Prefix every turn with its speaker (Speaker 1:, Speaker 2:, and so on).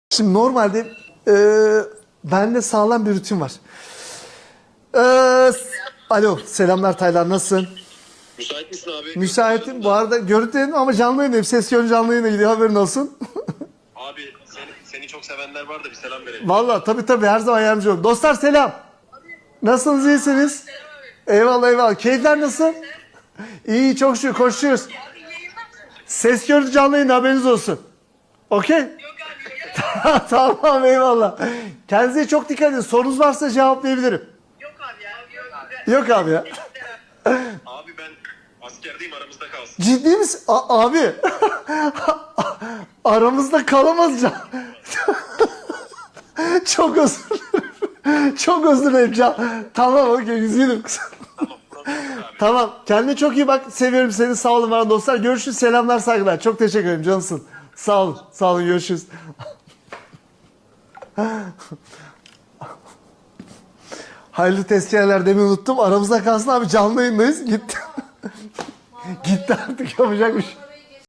Speaker 1: Şimdi normalde bende sağlam bir rutin var. Alo, selamlar Taylan, nasılsın?
Speaker 2: Müsait misin abi?
Speaker 1: Müsaitim. Bu arada görüntülerim ama canlı yayındayım. Ses yönü canlı yayına gidiyor, haberin olsun.
Speaker 2: Abi seni çok sevenler var da bir selam verelim.
Speaker 1: Valla tabii her zaman yardımcı olun. Dostlar selam. Nasılsınız, iyisiniz? Eyvallah eyvallah. Keyifler nasıl? İyi, çok şükür, koşuyoruz. Ses görüntü canlı yayında, haberiniz olsun. Okey? Tamam eyvallah. Kendinize çok dikkat edin. Sorunuz varsa cevaplayabilirim.
Speaker 3: Yok abi ya.
Speaker 1: Yok abi ya.
Speaker 2: Abi ben askerdeyim, aramızda kalsın.
Speaker 1: Ciddi misin? Abi. Aramızda kalamaz can. Çok özür dilerim. Çok özür dilerim can. Tamam okey, üzgünüm.
Speaker 2: Tamam, problem yok abi.
Speaker 1: Tamam. Kendine çok iyi bak. Seviyorum seni. Sağ olun bana dostlar. Görüşürüz. Selamlar, saygılar. Çok teşekkür ederim cansın. Sağ olun. Sağ olun. Görüşürüz. Hayırlı tezkereler demeyi unuttum. Aramızda kalsın abi. Canlı yayındayız. Gitti. Gitti artık, yapacak bir şey.